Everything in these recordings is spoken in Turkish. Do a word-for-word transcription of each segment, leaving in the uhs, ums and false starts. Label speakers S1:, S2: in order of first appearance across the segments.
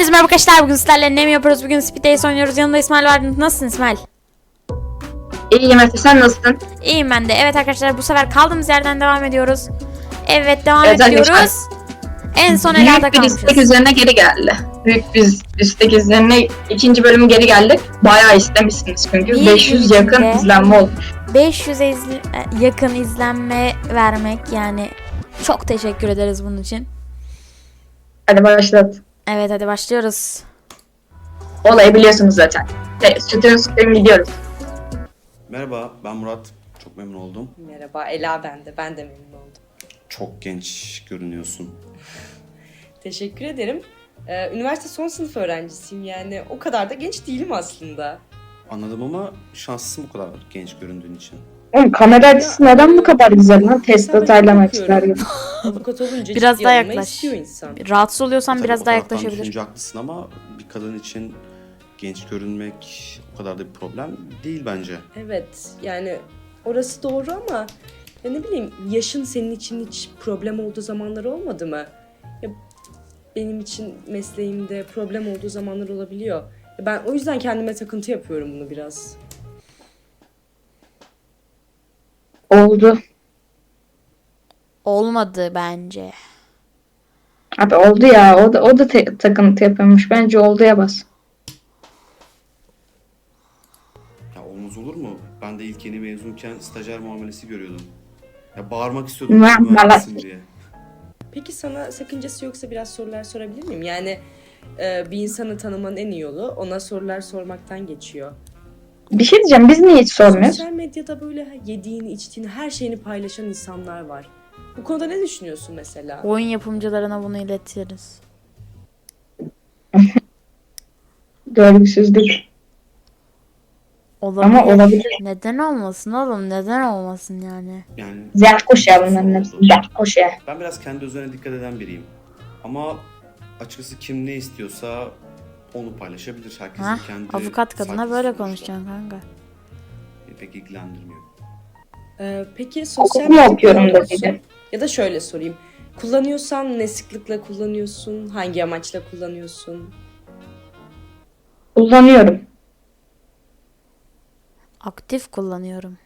S1: Herkese merhaba arkadaşlar. Bugün sizlerle ne mi yapıyoruz? Bugün Speed Race oynuyoruz. Yanımda İsmail var. Nasılsın İsmail?
S2: İyiyim Efe, sen nasılsın?
S1: İyiyim ben de. Evet arkadaşlar, bu sefer kaldığımız yerden devam ediyoruz. Evet, devam
S2: Evet,
S1: ediyoruz.
S2: arkadaşlar.
S1: En son
S2: Büyük
S1: Ela'da
S2: bir istek
S1: kalmışız.
S2: üzerine geri geldi. Büyük bir istek üzerine ikinci bölümü geri geldik. Bayağı istemişsiniz çünkü.
S1: Bir
S2: beş yüz
S1: gün
S2: yakın
S1: içinde-
S2: izlenme olmuş.
S1: beş yüze izle- yakın izlenme vermek, yani çok teşekkür ederiz bunun için.
S2: Hadi başlat.
S1: Evet, hadi başlıyoruz.
S2: Olayı biliyorsunuz zaten. Sütün sütün gidiyoruz.
S3: Merhaba, ben Murat. Çok memnun oldum.
S4: Merhaba, Ela ben de. Ben de memnun oldum.
S3: Çok genç görünüyorsun.
S4: Teşekkür ederim. Ee, üniversite son sınıf öğrencisiyim, yani o kadar da genç değilim aslında.
S3: Anladım ama şanslısın bu kadar genç göründüğün için.
S2: Oğlum kamera açısı neden bu kadar güzel lan? Test
S4: Mesela ben
S2: atayla
S4: bakıyorum.
S2: açılar gibi.
S4: Avukat olunca
S1: Biraz
S4: ciddi
S1: daha
S4: alınmayı
S1: yaklaş.
S4: istiyor insan.
S1: Rahatsız oluyorsan
S3: Tabii
S1: biraz
S3: o
S1: daha
S3: taraftan
S1: yaklaşabilir.
S3: düşünce haklısın ama bir kadın için genç görünmek o kadar da bir problem değil bence.
S4: Evet, yani orası doğru ama ya ne bileyim, yaşın senin için hiç problem olduğu zamanlar olmadı mı? Ya benim için mesleğimde problem olduğu zamanlar olabiliyor. Ya ben o yüzden kendime takıntı yapıyorum bunu biraz.
S2: Oldu.
S1: Olmadı bence.
S2: Abi oldu ya. O da, o da te- takıntı yapıyormuş. Bence olduya bas.
S3: Ya olmaz olur mu? Ben de ilk yeni mezunken stajyer muamelesi görüyordum. Ya bağırmak istiyordum
S2: Muam-
S3: mühendisim diye.
S4: Peki sana sakıncası yoksa biraz sorular sorabilir miyim? Yani e, bir insanı tanımanın en iyi yolu ona sorular sormaktan geçiyor.
S2: Bir şey diyeceğim. Biz niye hiç sormuyoruz?
S4: Sosyal medyada böyle yediğini, içtiğini, her şeyini paylaşan insanlar var. Bu konuda ne düşünüyorsun mesela?
S1: Oyun yapımcılarına bunu iletiriz.
S2: Görgüsüzlük.
S1: Olabilir.
S2: Ama olabilir.
S1: Neden olmasın oğlum? Neden olmasın yani?
S3: Yani
S2: Zerkoş ya
S3: Sorun
S2: bunların
S3: oldu.
S2: hepsi. Zerkoş ya.
S3: ben biraz kendi özenine dikkat eden biriyim. Ama açıkçası kim ne istiyorsa onu paylaşabilir. Herkesin
S1: Ha?
S3: kendi
S1: Avukat kadına
S3: sayfası
S1: böyle
S3: sonuçta.
S1: konuşacaksın kanka.
S3: Beni pek ilgilendirmiyor.
S4: Ee, peki sosyal
S2: Okul mu
S4: medya
S2: okuyorum da
S4: kullanıyorsun?
S2: dedi.
S4: Ya da şöyle sorayım. Kullanıyorsan ne sıklıkla kullanıyorsun? Hangi amaçla kullanıyorsun?
S2: Kullanıyorum.
S1: Aktif kullanıyorum.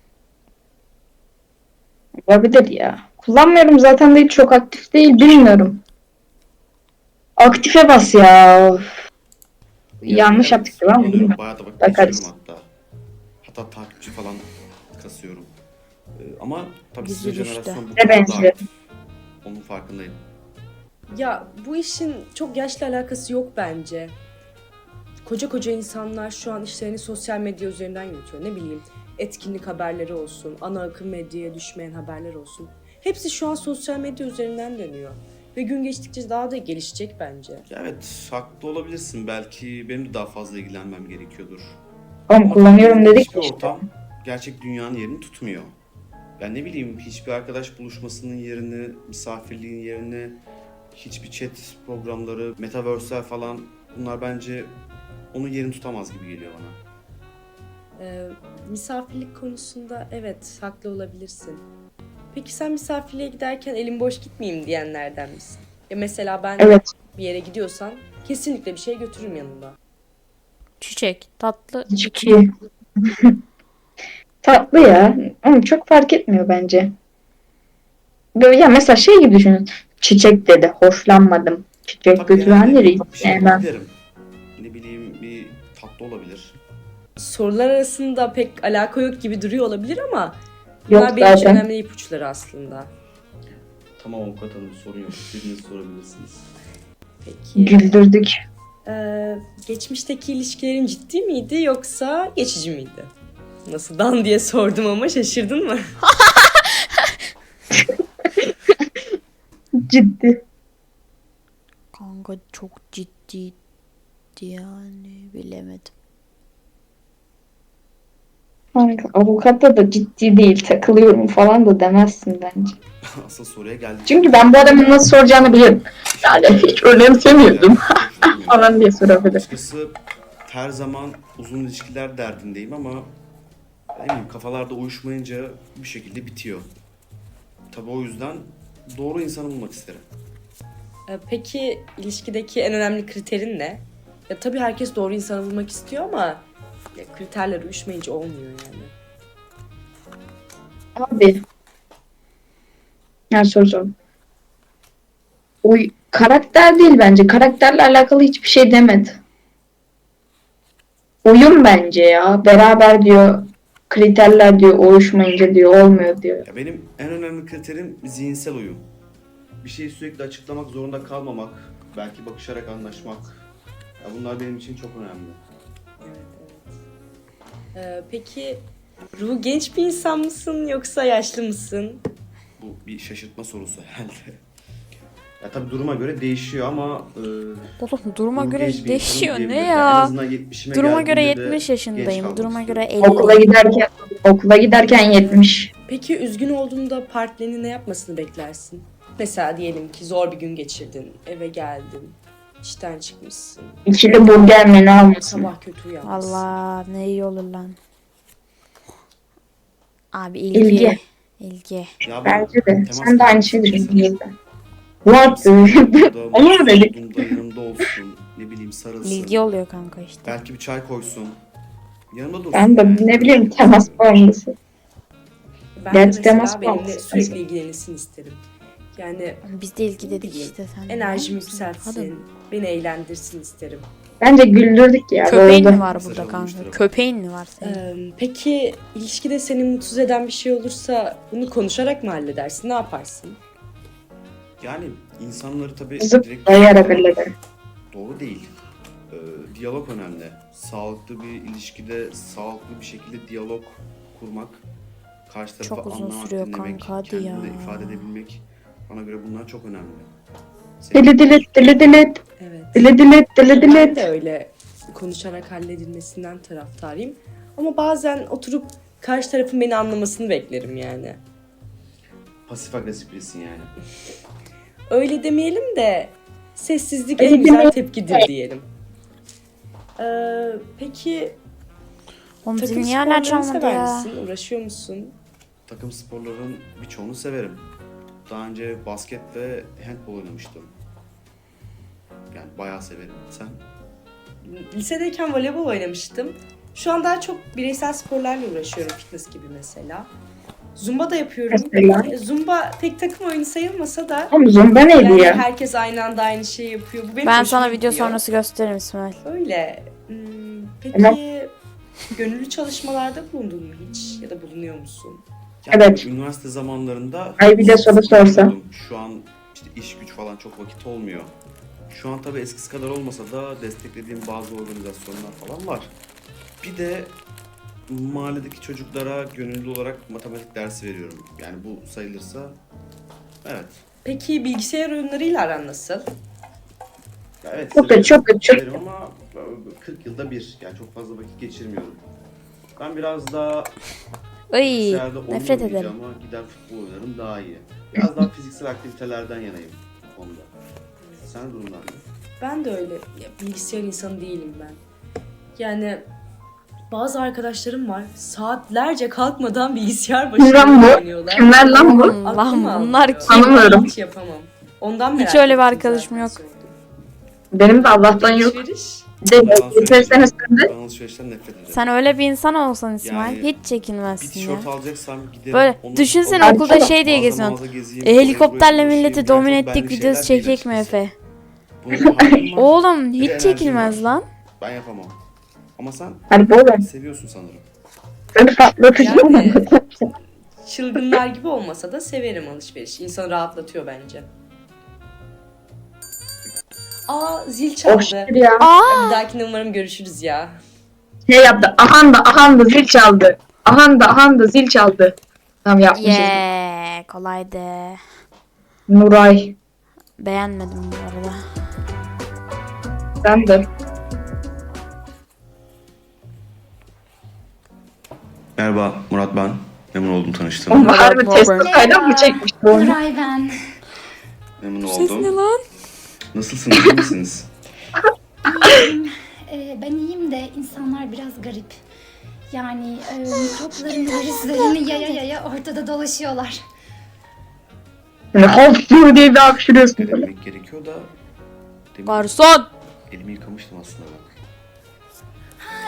S2: Olabilir ya. Kullanmıyorum zaten de hiç çok aktif değil. Bilmiyorum. Aktife bas ya. Of. Yanlış yaptık değil mi?
S3: kullanıyorum.
S2: Bilmiyorum.
S3: Bayağı da vakit
S2: Bakarız.
S3: geçiriyorum hatta. Hatta takipçi falan kasıyorum. Ee, ama tabii
S1: Yüzü
S3: sizin
S1: düştü.
S3: jenerasyon bu
S2: Ne
S3: kadar da
S2: benziyor?
S3: aktif. Onun farkındayım.
S4: Ya bu işin çok yaşla alakası yok bence. Koca koca insanlar şu an işlerini sosyal medya üzerinden yürütüyor. Ne bileyim, etkinlik haberleri olsun, ana akım medyaya düşmeyen haberler olsun. Hepsi şu an sosyal medya üzerinden dönüyor. Ve gün geçtikçe daha da gelişecek bence.
S3: Ya evet, haklı olabilirsin. Belki benim de daha fazla ilgilenmem gerekiyordur.
S2: Oğlum
S3: Ama
S2: kullanıyorum
S3: tabii
S2: dedik
S3: hiçbir
S2: işte.
S3: ortam gerçek dünyanın yerini tutmuyor. Ben ne bileyim, hiçbir arkadaş buluşmasının yerini, misafirliğin yerini, hiçbir chat programları, metaverse'ler falan, bunlar bence onun yerini tutamaz gibi geliyor bana.
S4: Ee, misafirlik konusunda evet, haklı olabilirsin. Peki sen misafirliğe giderken elim boş gitmeyeyim diyenlerden misin? Ya mesela ben
S2: Evet.
S4: bir yere gidiyorsan kesinlikle bir şey götürürüm yanımda.
S1: Çiçek, tatlı.
S2: Ciddi. Tatlı ya. Ama çok fark etmiyor bence. Böyle ya mesela şey gibi düşünün. Çiçek dedi. Hoşlanmadım. Çiçek
S3: Tabii
S2: götüren
S3: genelde
S2: nereye?
S3: bir şey
S2: Sevmem.
S3: giderim. Ne bileyim, bir tatlı olabilir.
S4: Sorular arasında pek alaka yok gibi duruyor olabilir ama bunlar
S2: Yok
S4: benim için
S2: zaten.
S4: önemli ipuçları aslında.
S3: Tamam avukat hanım, sorun yok. İstediğinizi sorabilirsiniz.
S4: Peki.
S2: Güldürdük.
S4: Ee, geçmişteki ilişkilerin ciddi miydi yoksa geçici miydi? Nasıl dan diye sordum ama şaşırdın mı?
S2: Ciddi.
S1: Kanka çok ciddi yani, bilemedim.
S2: Kanka, avukatta da ciddi değil. Takılıyorum falan da demezsin bence.
S3: Asıl soruya geldik.
S2: Çünkü ben bu adamın nasıl soracağını biliyorum. Yani hiç önemsemiyordum falan diye sorabilir.
S3: Açıkçası her zaman uzun ilişkiler derdindeyim ama ne bileyim, kafalarda uyuşmayınca bir şekilde bitiyor. Tabii o yüzden doğru insanı bulmak isterim.
S4: Ee, peki ilişkideki en önemli kriterin ne? Ya tabii herkes doğru insanı bulmak istiyor ama ya, kriterler uyuşmayınca olmuyor yani.
S2: Abi. Yani soru sor. Oy, karakter değil bence. Karakterle alakalı hiçbir şey demedi. Uyum bence ya. Beraber diyor. Kriterler diyor. Uyuşmayınca diyor. Olmuyor diyor.
S3: Ya benim en önemli kriterim zihinsel uyum. Bir şeyi sürekli açıklamak zorunda kalmamak, belki bakışarak anlaşmak. Ya bunlar benim için çok önemli.
S4: Evet, evet. Ee, peki Ruhu genç bir insan mısın yoksa yaşlı mısın?
S3: Bu bir şaşırtma sorusu herhalde. Ya tabii duruma göre değişiyor ama e,
S1: Oğlum duruma
S3: ruhu
S1: göre
S3: genç bir
S1: değişiyor
S3: insanım
S1: ne
S3: diyebilirim. Yani en
S1: ya?
S3: azından yetmişime
S1: Duruma göre
S3: geldiğimde de
S1: yetmiş
S3: genç
S1: yaşındayım.
S3: kalmak
S1: Duruma göre
S3: istiyorum.
S1: elli.
S2: Okula giderken okula giderken yetmiş.
S4: Peki üzgün olduğunda partnerinin ne yapmasını beklersin? Mesela diyelim ki zor bir gün geçirdin, eve geldin, işten çıkmışsın,
S2: İkili burger menü almasın.
S4: sabah kötü uyanmışsın.
S1: Allah ne iyi olur lan. Abi ilgi.
S2: İlgi.
S1: İlgi.
S3: Ya bu
S2: Bence de.
S3: temas
S2: Sen de aynı
S3: kurmak
S2: şeyi
S3: istiyorum.
S2: düşünüyorsun. What?
S3: Burada
S2: Onu mu dedik?
S3: olduğumda yanımda olsun, ne bileyim sarılsın.
S1: İlgi oluyor kanka işte.
S3: Belki bir çay koysun. Yanımda dursun.
S2: Ben de
S3: yani.
S2: ne bileyim temas bağımlısı.
S4: Ben
S2: Gerçi
S4: de
S2: temas
S4: mesela benimle
S2: bağlısı.
S4: sürekli ilgilenilsin isterim. Yani
S1: Biz de ilgi dedik
S4: bileyim,
S1: işte sen.
S4: enerjimi
S1: Hadi.
S4: yükseltsin, beni eğlendirsin isterim.
S2: Bence güldürdük ya.
S1: Köpeğin
S2: doğru.
S1: mi var
S3: Mesaj
S1: burada kanka?
S3: alınmıştır.
S1: Köpeğin mi var senin?
S4: Ee, peki ilişkide seni mutsuz eden bir şey olursa bunu konuşarak mı halledersin? Ne yaparsın?
S3: Yani insanları tabii
S2: Kızıp
S3: direkt
S2: dayayarak hallederim.
S3: doğru değil. Ee, diyalog önemli. Sağlıklı bir ilişkide sağlıklı bir şekilde diyalog kurmak, karşı tarafı
S1: Çok uzun
S3: anlamak,
S1: sürüyor
S3: dinlemek,
S1: kanka, hadi
S3: kendini
S1: ya.
S3: ifade edebilmek bana göre bunlar çok önemli. Senin-
S2: Dili dilit dili dilit
S4: Evet.
S2: dili dilit dili
S4: Ben
S2: dilit.
S4: de öyle konuşarak halledilmesinden taraftarıyım. Ama bazen oturup karşı tarafın beni anlamasını beklerim yani.
S3: Pasif agresif birisin yani.
S4: Öyle demeyelim de sessizlik
S2: Öyle
S4: en güzel
S2: demeyelim.
S4: tepkidir diyelim. Ee, peki
S1: Oğlum zil
S4: takım
S1: niye hala
S4: sporlarını
S1: çalmadı
S4: sever
S1: ya?
S4: misin? Uğraşıyor musun?
S3: Takım sporların birçoğunu severim. Daha önce basket ve handball oynamıştım. Yani bayağı severim. Sen?
S4: Lisedeyken voleybol oynamıştım. Şu an daha çok bireysel sporlarla uğraşıyorum, fitness gibi mesela. Zumba da yapıyorum.
S2: Mesela?
S4: E, Zumba tek takım oyunu sayılmasa da
S2: Oğlum zumba neydi
S4: yani
S2: ya?
S4: herkes aynı anda aynı şeyi yapıyor. Bu benim
S1: Ben
S4: hoşuma
S1: sana video
S4: gidiyor.
S1: sonrası gösteririm İsmail.
S4: Öyle. Hmm, peki
S2: Tamam.
S4: gönüllü çalışmalarda bulundun mu hiç? Ya da bulunuyor musun?
S3: Yani
S2: Evet.
S3: üniversite zamanlarında
S2: Ay bir de soru sorsa.
S3: bulundum. Şu an işte iş güç falan çok vakit olmuyor. Şu an tabii eskisi kadar olmasa da desteklediğim bazı organizasyonlar falan var. Bir de mahalledeki çocuklara gönüllü olarak matematik dersi veriyorum. Yani bu sayılırsa evet.
S4: Peki bilgisayar oyunlarıyla aran nasıl?
S3: Ya evet
S2: Çok kötü, çok kötü, çok
S3: severim ama kırk yılda bir. Yani çok fazla vakit geçirmiyorum. Ben biraz daha
S1: Ay
S3: bilgisayarda oyun
S1: nefret
S3: oynayacağım
S1: ederim.
S3: ama gider futbol oynarım daha iyi. Biraz daha fiziksel aktivitelerden yanayım bu konuda. Sen durumlar ne?
S4: Ben de öyle. Ya, bilgisayar insanı değilim ben. Yani bazı arkadaşlarım var. Saatlerce kalkmadan bilgisayar
S2: Kim lan
S4: başında
S2: bu?
S4: oynuyorlar.
S2: Kimler lan bu?
S1: Oğlum,
S4: Aklım
S1: lan
S4: almıyor.
S1: bunlar kim?
S2: Tanımıyorum.
S4: Hiç yapamam. Ondan
S1: Hiç
S4: merak
S1: öyle bir
S4: ettim
S1: arkadaşım
S4: zaten
S1: yok.
S4: sordum.
S2: Benim de Allah'tan yok.
S4: Alışveriş.
S2: Bir de
S3: Yalan
S2: geçen
S3: söyleyeceğim.
S2: sene sen de
S3: Ben alışverişten nefret ederim.
S1: Sen öyle bir insan olsan İsmail
S3: Yani
S1: hiç
S3: bir
S1: çekinmezsin ya.
S3: tişört alacaksam giderim.
S1: Böyle
S3: onu
S1: düşünsene
S3: alırım.
S1: okulda şey diye
S3: Mağaza
S1: geziyorsun.
S3: mağaza gezeyim,
S1: E,
S3: oraya
S1: helikopterle
S3: buraya
S1: milleti
S3: koşayım.
S1: domine
S3: Yani çok
S1: ettik
S3: benlik
S1: videosu
S3: şeyler değil
S1: çekecek mi
S3: açıkçası.
S1: Efe?
S3: Bunun bir halim var.
S1: Oğlum
S3: Bir de
S1: hiç
S3: enerjim
S1: çekilmez
S3: var.
S1: lan.
S3: Ben yapamam. Ama sen
S2: hadi bu oğlum.
S3: seviyorsun sanırım.
S2: Seni patlatacağım.
S4: Yani çılgınlar gibi olmasa da severim alışverişi. İnsanı rahatlatıyor bence. Aa zil
S2: Oh
S4: çaldı.
S2: şükür ya.
S1: Aa!
S4: Bir dahakine umarım görüşürüz ya.
S2: Şey yaptı. Ahan da ahan da zil çaldı. Ahan da ahan da zil çaldı. Tamam yapmışız.
S1: Yeah, kolaydı.
S2: Nuray.
S1: Beğenmedim bu arada.
S2: Sen de.
S3: Merhaba Murat ben. Memnun oldum
S2: Oğlum
S3: tanıştığıma.
S2: harbi
S1: Robert.
S2: testi kaynak mı çekmiş bu oyunu?
S5: Nuray ben.
S3: Memnun
S1: Ses ne
S3: oldum.
S1: lan?
S3: Nasılsınız? İyi misiniz?
S5: İyiyim. Ee, ben iyiyim de insanlar biraz garip. Yani e, mikroplarını, virüslerini yaya yaya ortada dolaşıyorlar.
S2: Yani hop diye bir hapşırıyorsun
S3: Ne
S2: böyle.
S3: demek gerekiyor da demin
S1: Garson!
S3: elimi yıkamıştım aslında ben.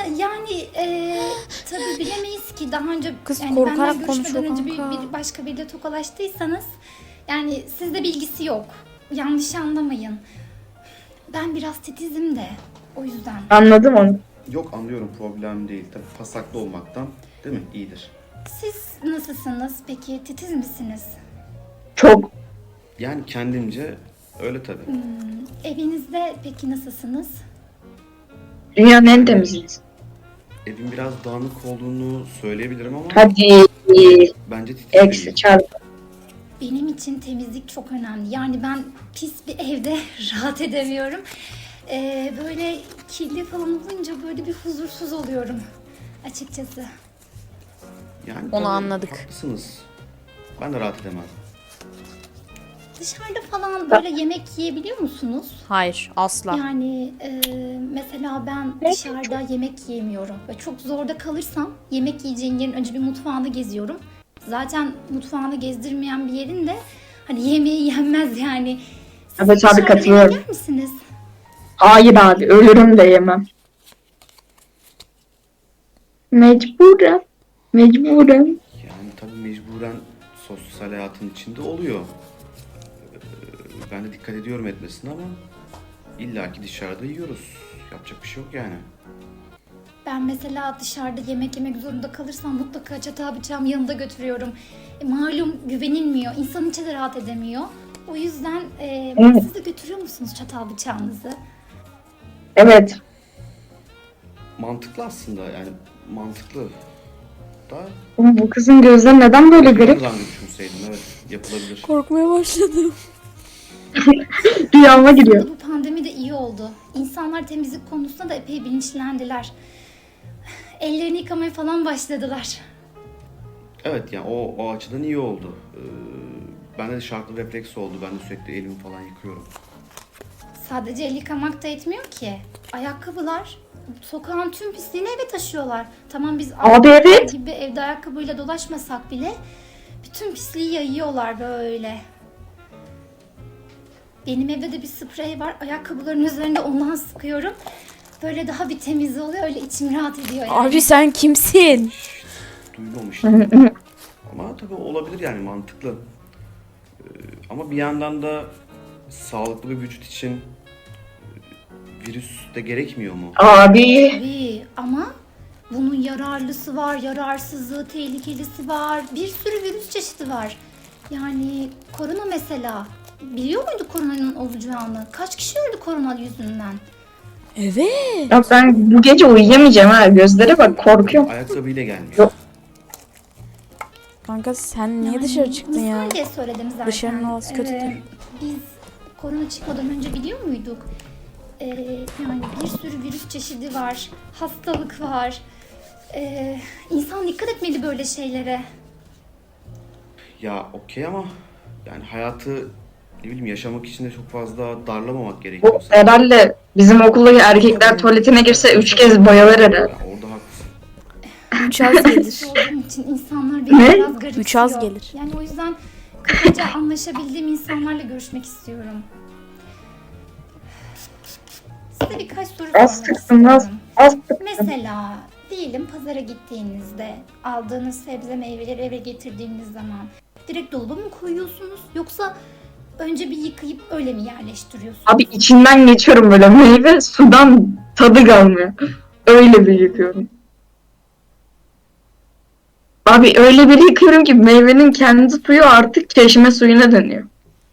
S5: yani e, tabii bilemeyiz ki daha önce
S1: Kız
S5: yani
S1: korkarak
S5: benden
S1: konuşuyor
S5: görüşmeden önce bir,
S1: kanka.
S5: bir başka biriyle tokalaştıysanız yani sizde bilgisi yok. Yanlış anlamayın. Ben biraz titizim de o yüzden.
S2: Anladım onu.
S3: Yok, anlıyorum, problem değil. Tabii pasaklı olmaktan değil mi? İyidir.
S5: Siz nasılsınız peki? Titiz misiniz?
S2: Çok.
S3: Yani kendimce öyle tabii.
S5: Evinizde peki nasılsınız?
S2: Dünyanın en temiziyiz.
S3: Evin biraz dağınık olduğunu söyleyebilirim ama
S2: Hadi.
S3: bence titiz
S2: Eksi
S3: değil.
S2: çarpı.
S5: Benim için temizlik çok önemli. Yani ben pis bir evde rahat edemiyorum. Ee, böyle kirli falan olunca böyle bir huzursuz oluyorum açıkçası.
S3: Yani
S1: Onu
S3: tabii
S1: anladık.
S3: haklısınız. Ben de rahat edemem.
S5: Dışarıda falan böyle yemek yiyebiliyor musunuz?
S1: Hayır, asla.
S5: Yani e, mesela ben dışarıda yemek yiyemiyorum. Ve çok zorda kalırsam yemek yiyeceğin yerin önce bir mutfağını geziyorum. Zaten mutfağını gezdirmeyen bir yerin de hani yemeği yenmez yani. Siz
S2: Evet abi,
S5: dışarıda
S2: katılıyorum.
S5: yemek yer misiniz?
S2: Hayır abi, ölürüm de yemem. Mecburen. Mecburen.
S3: Yani tabii mecburen sosyal hayatın içinde oluyor. Ee, Ben de dikkat ediyorum etmesine ama illaki dışarıda yiyoruz. Yapacak bir şey yok yani.
S5: Ben mesela dışarıda yemek yemek zorunda kalırsam mutlaka çatal bıçağımı yanında götürüyorum. E, malum güvenilmiyor. İnsan içi de rahat edemiyor. O yüzden e,
S2: Evet.
S5: siz de götürüyor musunuz çatal bıçağınızı?
S2: Evet.
S3: Mantıklı aslında, yani mantıklı da
S2: Oğlum, bu kızın gözleri neden böyle garip?
S3: buradan düşünseydim, evet, yapılabilir.
S1: Korkmaya başladım.
S2: Rüyama giriyor.
S5: Bu pandemi de iyi oldu. İnsanlar temizlik konusunda da epey bilinçlendiler. Ellerini yıkamaya falan başladılar.
S3: Evet, yani o, o açıdan iyi oldu. Ee, bende de şartlı refleks oldu. Ben de sürekli elimi falan yıkıyorum.
S5: Sadece el yıkamak da etmiyor ki. Ayakkabılar sokağın tüm pisliğini eve taşıyorlar. Tamam biz
S2: Abi evet.
S5: gibi evde ayakkabıyla dolaşmasak bile bütün pisliği yayıyorlar böyle. Benim evde de bir sprey var. Ayakkabıların üzerinde ondan sıkıyorum. Böyle daha bir temiz oluyor. Öyle içim rahat ediyor yani.
S1: Abi sen kimsin?
S3: Duymamıştım. Ama tabii olabilir, yani mantıklı. Ee, ama bir yandan da sağlıklı bir vücut için e, virüs de gerekmiyor mu?
S2: Abi.
S5: Tabii ama bunun yararlısı var, yararsızlığı, tehlikelisi var. Bir sürü virüs çeşidi var. Yani korona mesela. Biliyor muydu koronanın olacağını? Kaç kişi öldü korona yüzünden?
S1: Evet.
S2: Ya ben bu gece uyuyamayacağım ha. Gözlere bak, korkuyorum.
S3: Ayakkabıyla gelmiyor.
S2: Yok.
S1: Kanka sen niye
S5: Yani
S1: dışarı çıktın ya?
S5: misal diye söyledim zaten.
S1: Dışarının havası kötüdür.
S5: Ee, biz korona çıkmadan önce biliyor muyduk? Ee, yani bir sürü virüs çeşidi var. Hastalık var. Ee, insan dikkat etmeli böyle şeylere.
S3: Ya okey ama yani hayatı ne bileyim yaşamak için de çok fazla darlamamak gerekiyor.
S2: Bu herhalde bizim okuldaki erkekler tuvaletine girse üç kez bayılır herhalde.
S3: Ya orada haklısın.
S1: Üç az gelir.
S5: olduğum için insanlar beni
S2: Ne?
S5: biraz garipsiyor.
S1: Üç az gelir.
S5: Yani o yüzden kafaca anlaşabildiğim insanlarla görüşmek istiyorum. Size birkaç soru
S2: Az
S5: sormak
S2: sıksın, az,
S5: istiyorum.
S2: az sıksın.
S5: Mesela diyelim pazara gittiğinizde aldığınız sebze meyveleri eve getirdiğiniz zaman direkt dolaba mı koyuyorsunuz yoksa önce bir yıkayıp öyle mi yerleştiriyorsunuz?
S2: Abi içinden geçiyorum böyle, meyve sudan tadı kalmıyor. Öyle bir yıkıyorum. Abi öyle bir yıkıyorum ki meyvenin kendi suyu artık çeşme suyuna dönüyor.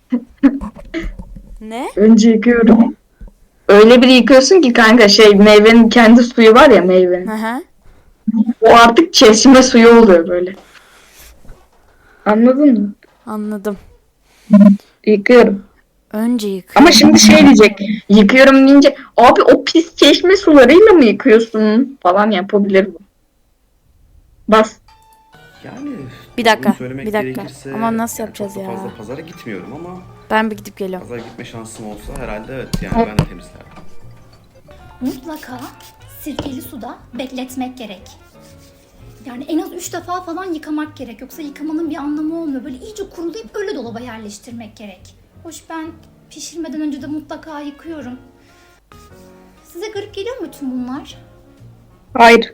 S1: Ne?
S2: Önce yıkıyorum. Öyle bir yıkıyorsun ki kanka, şey, meyvenin kendi suyu var ya, meyvenin.
S1: Hı hı.
S2: O artık çeşme suyu oluyor böyle. Anladın mı?
S1: Anladım.
S2: Yıkıyorum.
S1: Önce yık.
S2: Ama şimdi şey diyecek. Yıkıyorum deyince abi o pis çeşme sularıyla mı yıkıyorsun falan yapabilir bu. Bas.
S3: Yani
S1: Bir dakika,
S3: bunu söylemek
S1: bir dakika.
S3: gerekirse,
S1: Ama nasıl
S3: yani
S1: yapacağız
S3: çok da
S1: ya?
S3: fazla pazara gitmiyorum ama
S1: Ben bir gidip geliyorum.
S3: pazara gitme şansım olsa herhalde evet, yani ben de temizlerdim.
S5: Mutlaka sirkeli suda bekletmek gerek. Yani en az üç defa falan yıkamak gerek. Yoksa yıkamanın bir anlamı olmuyor. Böyle iyice kurulayıp öyle dolaba yerleştirmek gerek. Hoş ben pişirmeden önce de mutlaka yıkıyorum. Size garip geliyor mu tüm bunlar?
S2: Hayır.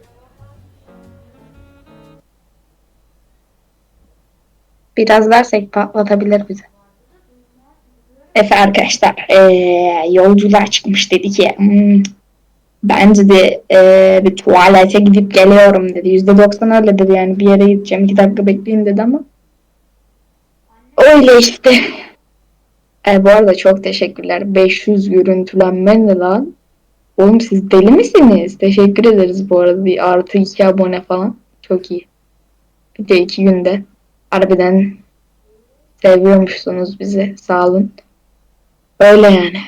S2: Biraz versek patlatabilir bizi. Efe arkadaşlar eee, yolculuğa çıkmış dedi ki "Hmm, bence de eee, bir tuvalete gidip geliyorum dedi. yüzde doksan öyle dedi, yani bir yere gideceğim, iki dakika bekleyin dedi ama öyle işte. E, bu arada çok teşekkürler. beş yüz görüntülenme ne lan? Oğlum siz deli misiniz? Teşekkür ederiz bu arada. Bir artı iki abone falan. Çok iyi. Bir de iki günde. Harbiden seviyormuşsunuz bizi. Sağ olun. Öyle yani.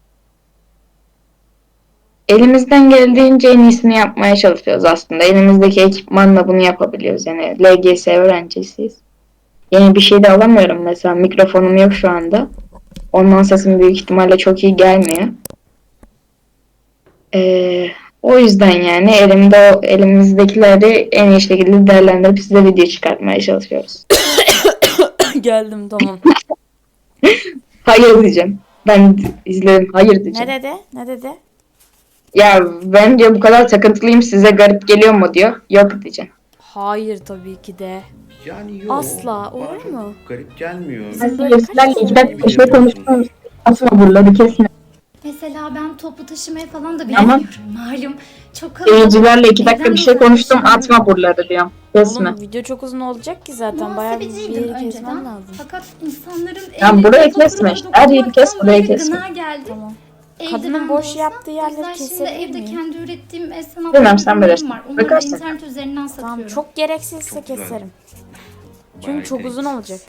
S2: Elimizden geldiğince en iyisini yapmaya çalışıyoruz aslında. Elimizdeki ekipmanla bunu yapabiliyoruz. Yani L G S öğrencisiyiz. Yeni bir şey de alamıyorum mesela. Mikrofonum yok şu anda. Ondan sesim büyük ihtimalle çok iyi gelmiyor. Ee, o yüzden yani elimde o, elimizdekileri en iyi şekilde değerlendirip size video çıkartmaya çalışıyoruz.
S1: Geldim tamam.
S2: Hayır diyeceğim. Ben izledim. Hayır
S1: Ne
S2: diyeceğim.
S1: dedi? Ne dedi?
S2: Ya ben diyor bu kadar takıntılıyım, size garip geliyor mu diyor. Yok diyeceğim.
S1: Hayır tabii ki de.
S3: Yani yok.
S1: Asla,
S3: bana
S1: olur
S3: çok
S1: mu?
S3: garip gelmiyor.
S1: Bizim böyle kaç
S2: iki
S1: tane
S2: dakika bir şey konuştum. Asma buraları kesme.
S5: Mesela ben toplu taşımaya falan da
S2: Ama-
S5: binemiyorum. Malum çok kalabalık.
S2: Seyircilerle iki dakika
S5: Evden
S2: bir şey konuştum.
S5: uzaklaşamıyorum.
S2: Atma buraları diyorum. Kesme.
S1: Oğlum video çok uzun olacak ki zaten. Bayağı bir
S5: Muhasebeciydim
S1: yeri kesmem
S5: önceden.
S1: lazım.
S5: Fakat insanların
S2: Ya
S5: ellerine
S2: burayı
S5: faturalara
S2: kesme işte. Her yeri kes,
S5: dokunmaktan
S2: burayı
S5: böyle
S2: kesme.
S5: gına geldi.
S1: Tamam.
S5: Eldiven
S1: Kadının
S5: de
S1: boş
S5: olsa.
S1: yaptığı
S5: O
S1: yerleri
S5: yüzden şimdi
S1: kesebilir
S5: evde
S1: miyim?
S5: kendi ürettiğim el sanatları
S2: Bilmem, sen bilirsin.
S5: var. Onları da
S2: Bakarsın.
S5: internet üzerinden satıyorum.
S1: Tamam çok gereksizse
S3: Çok güzel.
S1: keserim. Çünkü
S3: Bayağı
S1: çok uzun
S3: gereksiz.
S1: olacak.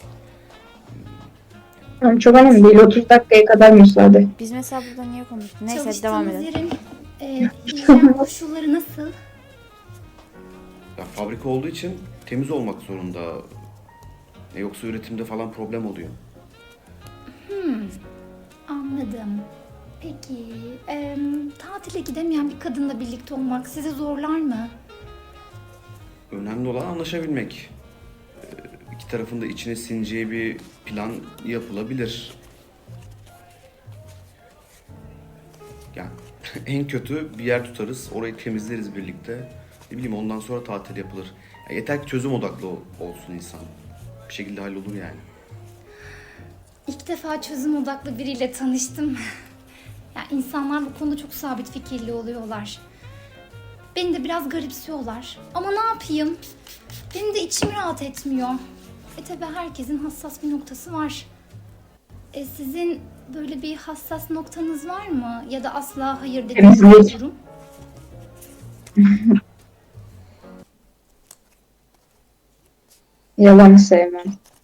S2: Yani çok önemli değil. otuz dakikaya kadar müsaade.
S1: Biz mesela burada niye konuştuk? Neyse
S5: Çalıştığınız
S1: devam edelim.
S5: yerin e, hijyen koşulları nasıl?
S3: Ya fabrika olduğu için temiz olmak zorunda. E, yoksa üretimde falan problem oluyor.
S5: Anladım. Peki, e, tatile gidemeyen bir kadınla birlikte olmak sizi zorlar mı?
S3: Önemli olan anlaşabilmek. E, iki tarafın da içine sineceği bir plan yapılabilir. Yani en kötü bir yer tutarız, orayı temizleriz birlikte. Ne bileyim ondan sonra tatil yapılır. Ya yeter ki çözüm odaklı ol- olsun insan. Bir şekilde hallolur yani.
S5: İlk defa çözüm odaklı biriyle tanıştım. Ya insanlar bu konuda çok sabit fikirli oluyorlar. Beni de biraz garipsiyorlar. Ama ne yapayım? Benim de içim rahat etmiyor. E tabi herkesin hassas bir noktası var. E sizin böyle bir hassas noktanız var mı? Ya da asla hayır dediğiniz bir
S2: Temizlik.
S5: durum?
S2: Yalanı sevmem.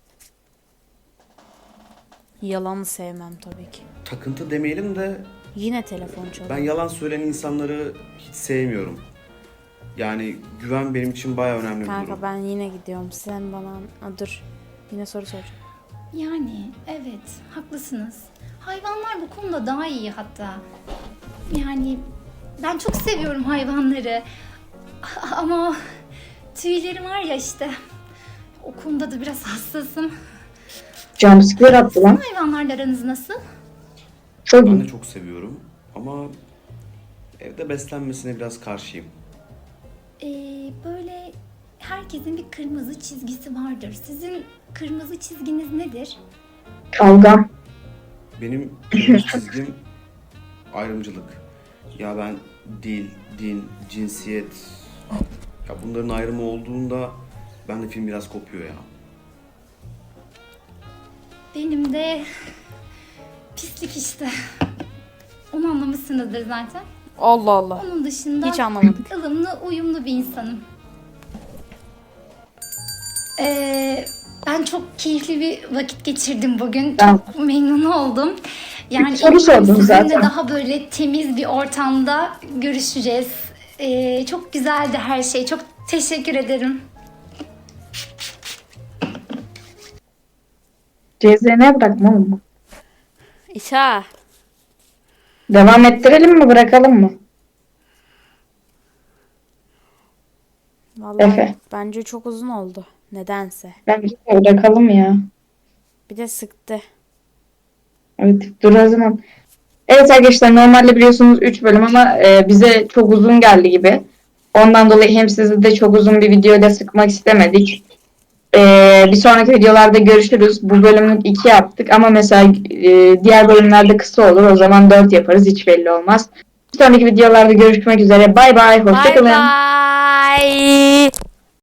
S1: Yalanı sevmem tabii ki.
S3: Takıntı demeyelim de
S1: Yine telefon çalıyor.
S3: ben yalan söyleyen insanları hiç sevmiyorum. Yani güven benim için bayağı önemli bir durum.
S1: Kanka ben yine gidiyorum. Sen bana... Aa, dur. Yine soru soracağım.
S5: Yani evet haklısınız. Hayvanlar bu konuda daha iyi hatta. Yani ben çok seviyorum hayvanları. Ama tüylerim var ya işte. O konuda da biraz hassasım.
S2: Jumpscare attı lan.
S5: Hayvanlarla aranız nasıl?
S2: Çok
S3: Ben
S2: iyi.
S3: de çok seviyorum ama evde beslenmesine biraz karşıyım.
S5: Ee, böyle herkesin bir kırmızı çizgisi vardır. Sizin kırmızı çizginiz nedir?
S2: Kavgam.
S3: Benim kırmızı çizgim ayrımcılık. Ya ben dil, din, cinsiyet, ya bunların ayrımı olduğunda ben de film biraz kopuyor ya.
S5: Benim de pislik işte. Onu anlamışsınızdır zaten.
S1: Allah Allah.
S5: Onun dışında
S1: Hiç anlamadık.
S5: ılımlı, uyumlu bir insanım. Ee, ben çok keyifli bir vakit geçirdim bugün.
S2: Ben-
S5: Çok memnun oldum. Yani
S2: Bir soru
S5: eminim
S2: sordum
S5: sizinle
S2: zaten.
S5: daha böyle temiz bir ortamda görüşeceğiz. Ee, çok güzeldi her şey. Çok teşekkür ederim.
S2: C Z N'ye bırakma oğlum.
S1: İşa.
S2: Devam ettirelim mi, bırakalım mı?
S1: Vallahi
S2: Efe.
S1: bence çok uzun oldu. Nedense.
S2: Bence de bırakalım ya.
S1: Bir de sıktı.
S2: Evet, dur o zaman. Evet arkadaşlar, normalde biliyorsunuz üç bölüm ama e, bize çok uzun geldi gibi. Ondan dolayı hem sizi de çok uzun bir videoyla sıkmak istemedik. Ee, bir sonraki videolarda görüşürüz. Bu bölümlük iki yaptık ama mesela e, diğer bölümlerde kısa olur. O zaman dört yaparız. Hiç belli olmaz. Bir sonraki videolarda görüşmek üzere. Bay bay.
S1: Bye
S2: Hoşçakalın.
S1: bye.